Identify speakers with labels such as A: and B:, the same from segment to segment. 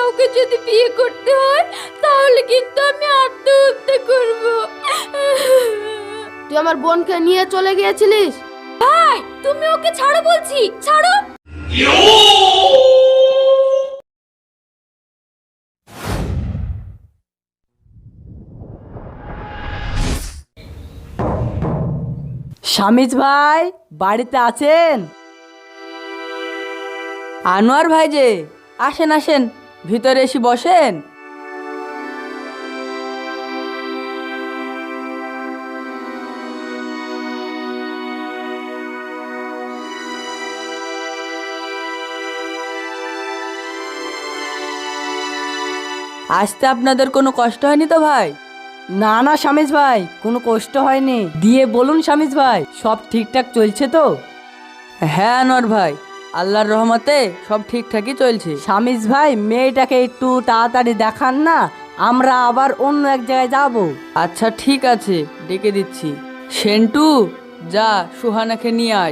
A: কাউকে যদি বিয়ে করতে হয় তাহলে কিন্তু আমি আত্মহত্যা করব।
B: তুই আমার বোনকে নিয়ে চলে গিয়েছিলিস।
A: ভাই তুমি ওকে ছাড়ো বলছি, ছাড়ো।
C: শামিজ ভাই বাড়িতে আছেন? আনোয়ার ভাই যে, আসেন আসেন, ভিতরে এসে বসেন। আসতে আপনাদের কোনো কষ্ট হয়নি তো ভাই? না না শামিজ ভাই, কোনো কষ্ট হয়নি। দিয়ে বলুন শামিজ ভাই, সব ঠিকঠাক চলছে তো? হ্যাঁ আনোয়ার ভাই, আল্লাহর রহমতে সব ঠিকঠাকই চলছে। শামিজ ভাই, মেয়েটাকে একটু তাড়াতাড়ি দেখান না, আমরা আবার অন্য এক জায়গায় যাব। আচ্ছা ঠিক আছে, ডেকে দিচ্ছি। সেন্টু, যা সুহানাকে নিয়ে আয়।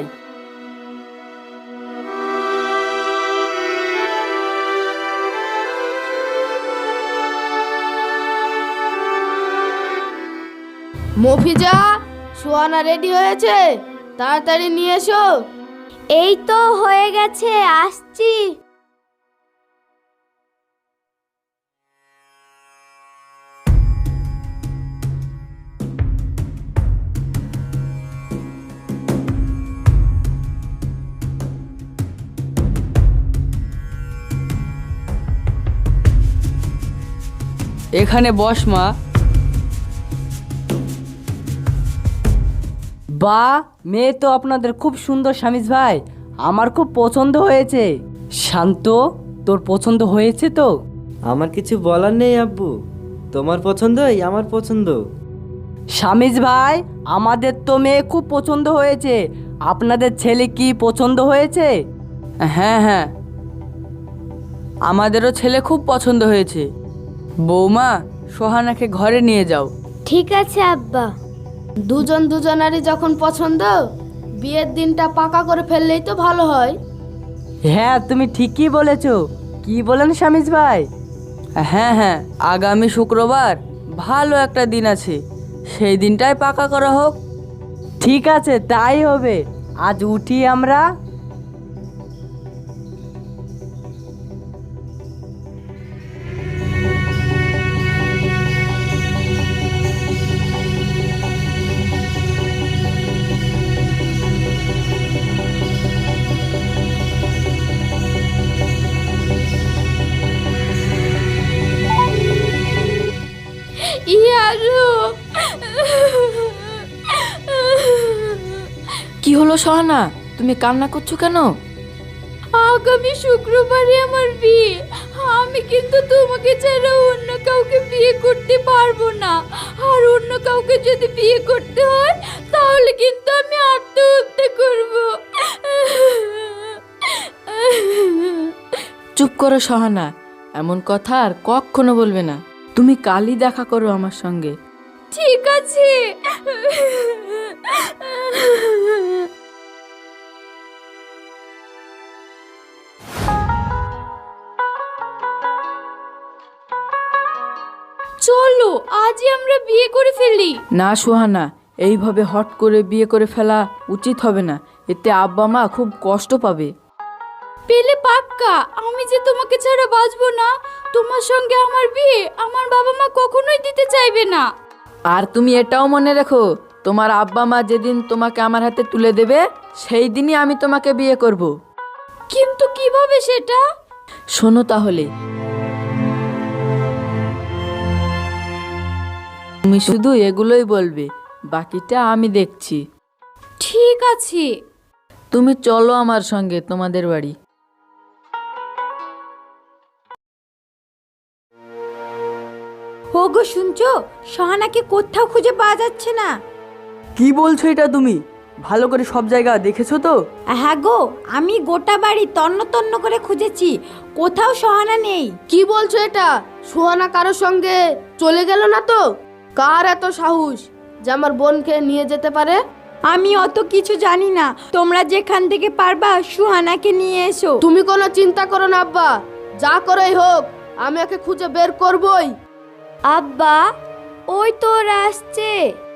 B: মফিজা, সোহানা রেডি হয়েছে, তাড়াতাড়ি নিয়ে এসো।
A: এই তো হয়ে গেছে, আসছি।
C: এখানে বস মা। বা, মেয়ে তো আপনাদের খুব সুন্দর শামিজ ভাই, আমার খুব পছন্দ হয়েছে। শান্ত, তোর পছন্দ হয়েছে তো?
D: আমার কিছু বলার নেই আব্বু, তোমার পছন্দই আমার পছন্দ।
C: শামিজ ভাই, আমাদের তো মেয়ে খুব পছন্দ হয়েছে, আপনাদের ছেলে কি পছন্দ হয়েছে? হ্যাঁ হ্যাঁ, আমাদেরও ছেলে খুব পছন্দ হয়েছে। বৌমা, সোহানাকে ঘরে নিয়ে যাও।
A: ঠিক আছে আব্বা।
B: দুজন দুজনারই যখন পছন্দ, বিয়ের দিনটা পাকা করে ফেললেই তো ভালো হয়।
C: হ্যাঁ তুমি ঠিকই বলেছো। কি বলেন শামিজ ভাই? হ্যাঁ হ্যাঁ, আগামী শুক্রবার ভালো একটা দিন আছে, সেই দিনটাই পাকা করা হোক। ঠিক আছে, তাই হবে। আজ উঠি আমরা।
A: ইয়ারু,
E: কি হলো সোহানা, তুমি কান্না করছো কেন?
A: আগামী শুক্রবারে আমার বিয়ে। আমি কিন্তু তোমাকে ছাড়া অন্য কাউকে বিয়ে করতে পারবো না। আর অন্য কাউকে যদি বিয়ে করতে হয় তাহলে কিন্তু আমি আত্মহত্যা করব।
E: চুপ করো সোহানা, এমন কথা আর কখনো বলবে না। তুমি কালই দেখা করো আমার সঙ্গে।
A: ঠিক আছে। চলো আজই আমরা বিয়ে করে ফেলি।
E: না সোহানা, এইভাবে হট করে বিয়ে করে ফেলা উচিত হবে না, এতে আব্বা মা খুব কষ্ট পাবে।
A: পেলে পাক্কা আমি যে তোমাকে ছাড়া বাঁচবো না। তোমার সঙ্গে আমার বিয়ে আমার বাবা মা কখনোই দিতে চাইবে না।
E: আর তুমি এটাও মনে রেখো, তোমার আব্বা মা যেদিন তোমাকে আমার হাতে তুলে দেবে সেই দিনই আমি তোমাকে বিয়ে করব।
A: কিন্তু কিভাবে সেটা?
E: শোনো তাহলে, তুমি শুধু এগুলোই বলবে, বাকিটা আমি দেখছি।
A: ঠিক আছে।
E: তুমি চলো আমার সঙ্গে তোমাদের বাড়ি।
A: ওগো শুনছো, সোহানাকে কোথাও খুঁজে পাওয়া যাচ্ছে না।
C: কি বলছো এটা তুমি? ভালো করে সব জায়গা দেখেছো তো?
A: হ্যাঁ গো, আমি গোটা বাড়ি তন্ন তন্ন করে খুঁজেছি, কোথাও সোহানা নেই।
B: কি বলছো এটা? সোহানা কারোর সঙ্গে চলে গেল না তো? কার এত সাহস যে আমার বোনকে নিয়ে যেতে পারে?
A: আমি অত কিছু জানি না, তোমরা যেখান থেকে পারবা সুহানাকে নিয়ে এসো।
B: তুমি কোনো চিন্তা করো না আব্বা, যা করেই হোক আমি একে খুঁজে বের করবই।
A: আব্বা, ওই তো ওরা আসছে।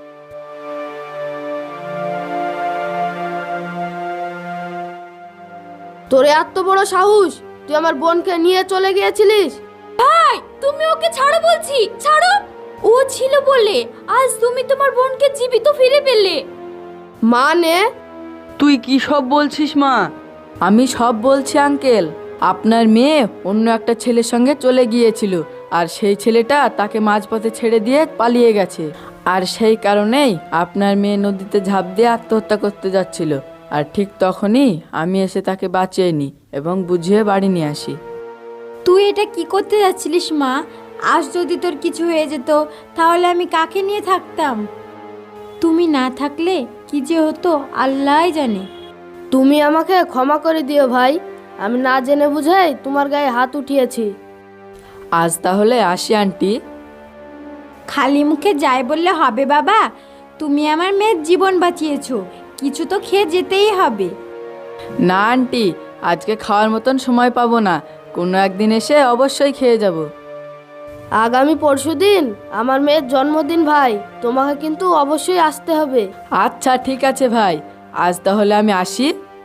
B: তোর এত বড় সাহস, তুই আমার বোনকে নিয়ে চলে গিয়েছিলিস?
A: ভাই, তুমি ওকে ছাড়ো বলছি, ছাড়ো। ও ছিল বলে আজ তুমি তোমার বোনকে জীবিত ফিরে পেলে।
B: মানে?
C: তুই কি সব বলছিস মা?
E: আমি সব বলছি আঙ্কেল। আপনার মেয়ে অন্য একটা ছেলের সঙ্গে চলে গিয়েছিল, আর সেই ছেলেটা তাকে মাঝপথে ছেড়ে দিয়ে পালিয়ে গেছে। আর সেই কারণেই আপনার মেয়ে নদীতে ঝাঁপ দিয়ে আত্মহত্যা করতে যাচ্ছিল। আর ঠিক তখনই আমি এসে তাকে বাঁচিয়ে নিই এবং বুঝিয়ে বাড়ি নিয়ে আসি।
F: তুই এটা কি করতে যাচ্ছিলিস মা? আজ যদি তোর কিছু হয়ে যেত তাহলে আমি কাকে নিয়ে থাকতাম? তুমি না থাকলে কি যে হতো আল্লাহই জানে।
B: তুমি আমাকে ক্ষমা করে দিও ভাই, আমি না জেনে বুঝেই তোমার গায়ে হাত উঠিয়েছি।
E: আজ তাহলে আসি আন্টি।
F: খালি মুখে যাই বললে হবে বাবা? তুমি আমার মেয়ের জীবন বাঁচিয়েছো, কিছু তো খেয়ে যেতেই হবে।
E: না আন্টি, আজকে খাওয়ার মতন সময় পাবো না, কোনো একদিন এসে অবশ্যই খেয়ে যাব।
B: আগামী পরশুদিন আমার মেয়ের জন্মদিন ভাই, তোমাকে কিন্তু অবশ্যই আসতে হবে।
E: আচ্ছা ঠিক আছে ভাই, আজ তাহলে আমি আসি।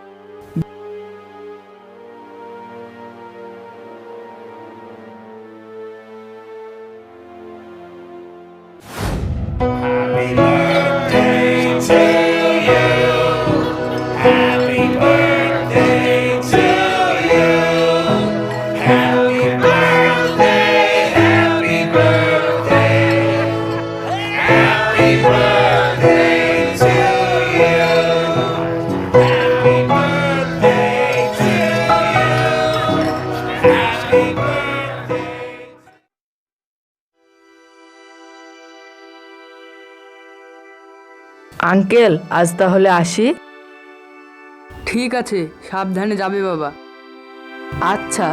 E: আঙ্কেল, আজ তাহলে আসি।
C: ঠিক আছে, সাবধানে যাবে বাবা।
E: আচ্ছা।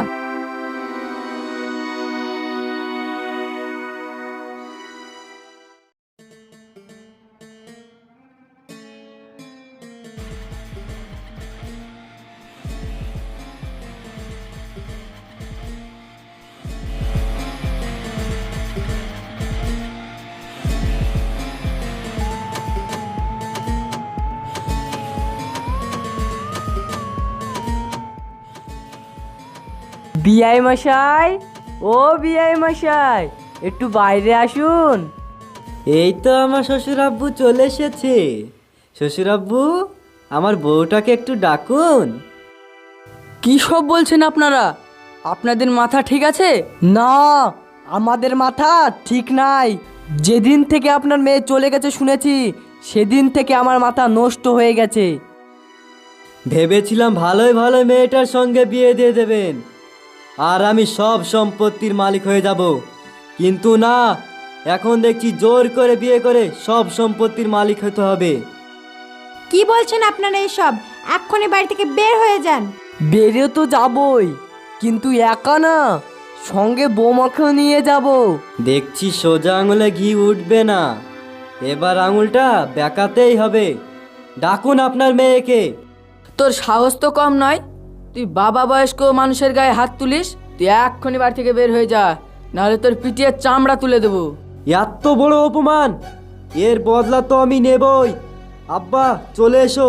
C: বিআই মশাই, ও বিআই মশাই, একটু বাইরে আসুন।
D: এই তো আমার শ্বশুর আব্বু চলে এসেছে। শ্বশুর আব্বু, আমার বউটাকে একটু ডাকুন।
C: কি সব বলছেন আপনারা? আপনাদের মাথা ঠিক আছে? না, আমাদের মাথা ঠিক নাই। যেদিন থেকে আপনার মেয়ে চলে গেছে শুনেছি, সেদিন থেকে আমার মাথা নষ্ট হয়ে গেছে।
D: ভেবেছিলাম ভালোই ভালো মেয়েটার সঙ্গে বিয়ে দিয়ে দেবেন, আর আমি সব সম্পত্তির মালিক হয়ে যাব। কিন্তু না, এখন দেখছি জোর করে বিয়ে করে সব সম্পত্তির মালিক হতে হবে।
F: কি বলছেন আপনারা এসব? এক্ষুনি বাড়ি থেকে বের হয়ে যান।
C: বেরিয়ে তো যাবই, কিন্তু একা না, সঙ্গে বৌমাকেও নিয়ে যাব।
D: দেখছি সোজা আঙুলে ঘি উঠবে না, এবার আঙুলটা বেঁকাতেই হবে। ডাকুন আপনার মেয়েকে।
E: তোর সাহস তো কম নয়, তুই বাবা বয়স্ক মানুষের গায়ে হাত তুলিস? তুই এক্ষুনি বাড়ি থেকে বের হয়ে যা, নাহলে তোর পিটিয়ে চামড়া তুলে দেবো।
D: এত বড় অপমান, এর বদলা তো আমি নেবই। আব্বা, চলে এসো।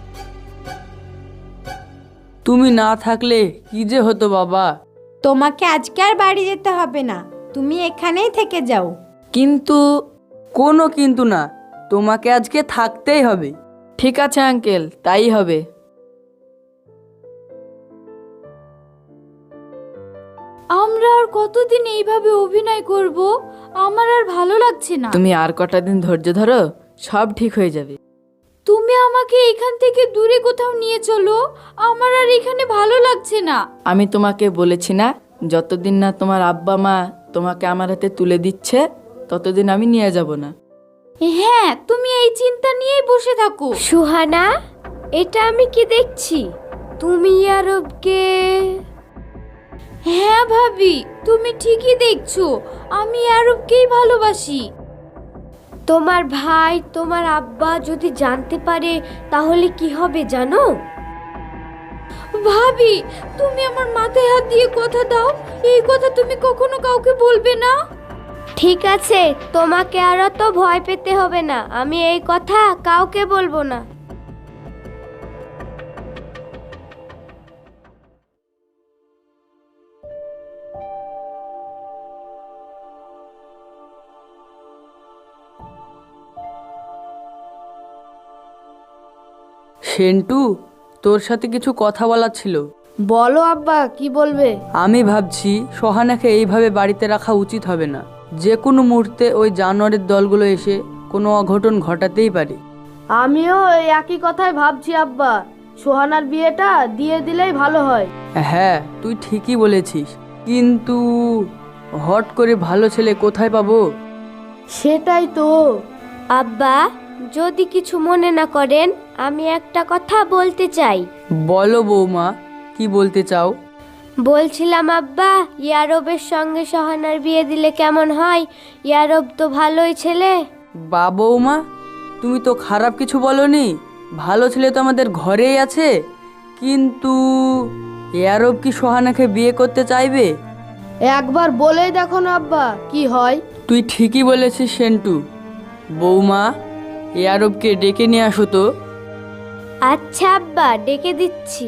C: তুমি না থাকলে কি যে হতো বাবা।
F: তোমাকে আজকে আর বাড়ি যেতে হবে না, তুমি এখানেই থেকে যাও।
C: কিন্তু কোনো কিন্তু না, তোমাকে আজকে থাকতেই হবে।
E: ঠিক আছে আঙ্কেল, তাই হবে।
A: আমরা আর কতদিন এইভাবে অভিনয় করব? আমার আর ভালো লাগছে না।
E: তুমি আর কটা দিন ধৈর্য ধরো, সব ঠিক হয়ে যাবে।
A: তুমি আমাকে এখান থেকে দূরে কোথাও নিয়ে চলো, আমার আর এখানে ভালো লাগছে না।
E: আমি তোমাকে বলেছি না, যতদিন না তোমার আব্বা মা তোমাকে আমার হাতে তুলে দিচ্ছে ততদিন আমি নিয়ে যাব না।
A: হ্যাঁ, তুমি এই চিন্তা নিয়েই বসে থাকো।
G: সুহানা, এটা আমি কি দেখছি? তুমি আরবকে?
A: হ্যাঁ ভাবি, তুমি ঠিকই দেখছো, আমি আরবকেই ভালোবাসি।
G: তোমার ভাই, তোমার আব্বা যদি জানতে পারে তাহলে কি হবে জানো?
A: ভাবি, তুমি আমার মাথায় হাত দিয়ে কথা দাও, এই কথা তুমি কখনো কাউকে বলবে না।
G: ঠিক আছে, তোমাকে আর তো ভয় পেতে হবে না, আমি এই কথা কাউকে বলবো না।
C: সেন্টু, তোর সাথে কিছু কথা বলার ছিল।
B: বলো আব্বা, কি বলবে?
C: আমি ভাবছি সোহানাকে এইভাবে বাড়িতে রাখা উচিত হবে না। যে কোনো মুহূর্তে ওই জানোয়ারের দলগুলো এসে কোনো অঘটন ঘটাতেই পারে।
B: আমিও এই একই কথাই ভাবছি আব্বা, সোহানার বিয়েটা দিয়ে দিলেই ভালো হয়।
C: হ্যাঁ, তুই ঠিকই বলেছিস, কিন্তু হট করে ভালো ছেলে কোথায় পাবো?
B: সেটাই তো।
G: আব্বা, যদি কিছু মনে না করেন, আমি একটা কথা বলতে চাই।
C: বলো বৌমা, কি বলতে চাও?
G: বলছিলাম আব্বা, ইয়ারবের সঙ্গে সোহানার বিয়ে দিলে কেমন হয়? ইয়ারব তো ভালোই ছেলে।
C: বা বৌমা, তুমি তো খারাপ কিছু বলনি। ভালো ছেলে তো আমাদের ঘরেই আছে। কিন্তু ইয়ারব কি সোহানাকে বিয়ে করতে চাইবে?
B: একবার বলেই দেখো না আব্বা, কি হয়।
C: তুই ঠিকই বলেছিস সেন্টু। বৌমা, ইয়ারবকে ডেকে নিয়ে আসো তো।
G: আচ্ছা আব্বা, ডেকে দিচ্ছি।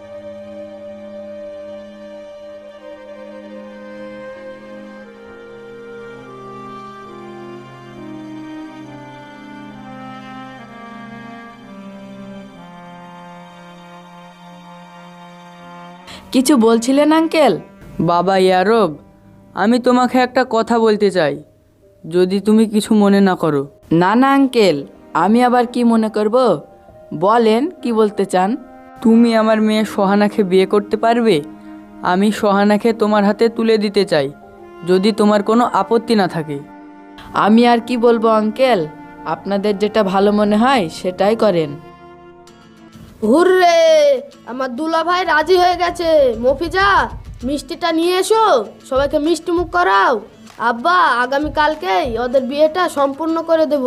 E: কিছু বলছিলেন আঙ্কেল?
C: বাবা ইয়ারব, আমি তোমাকে একটা কথা বলতে চাই, যদি তুমি কিছু মনে না করো।
E: না না আঙ্কেল, আমি আবার কি মনে করব? বলেন, কি বলতে চান?
C: তুমি আমার মেয়ে সোহানাকে বিয়ে করতে পারবে? আমি সোহানাকে তোমার হাতে তুলে দিতে চাই, যদি তোমার কোনো আপত্তি না থাকে।
E: আমি আর কি বলবো আঙ্কেল, আপনাদের যেটা ভালো মনে হয় সেটাই করেন।
B: হুররে, আমার দুলা ভাই রাজি হয়ে গেছে। মফিজা, মিষ্টিটা নিয়ে এসো, সবাইকে মিষ্টি মুখ করাও। আব্বা, আগামী কালকেই ওদের বিয়েটা সম্পূর্ণ করে দেব।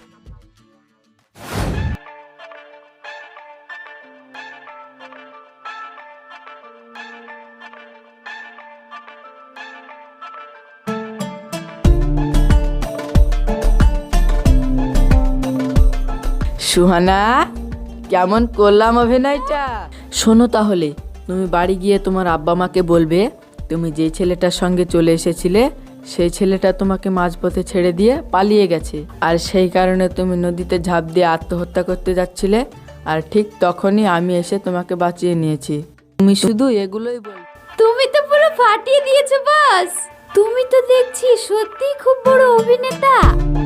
E: সুহানা, কেমন করলাম অভিনয়টা? শোনো তাহলে, তুমি বাড়ি গিয়ে তোমার আব্বা মাকে বলবে তুমি যে ছেলেটার সঙ্গে চলে এসেছিলে সেই ছেলেটা তোমাকে মাঝপথে ছেড়ে দিয়ে পালিয়ে গেছে, আর সেই কারণে তুমি নদীতে ঝাঁপ দিয়ে আত্মহত্যা করতে যাচ্ছিলে, আর ঠিক তখনই আমি এসে তোমাকে বাঁচিয়ে নিয়েছি। তুমি শুধু এগুলোই বল।
A: তুমি তো পুরো ফাটিয়ে দিয়েছো বস। তুমি তো দেখছি সত্যি খুব বড় অভিনেতা।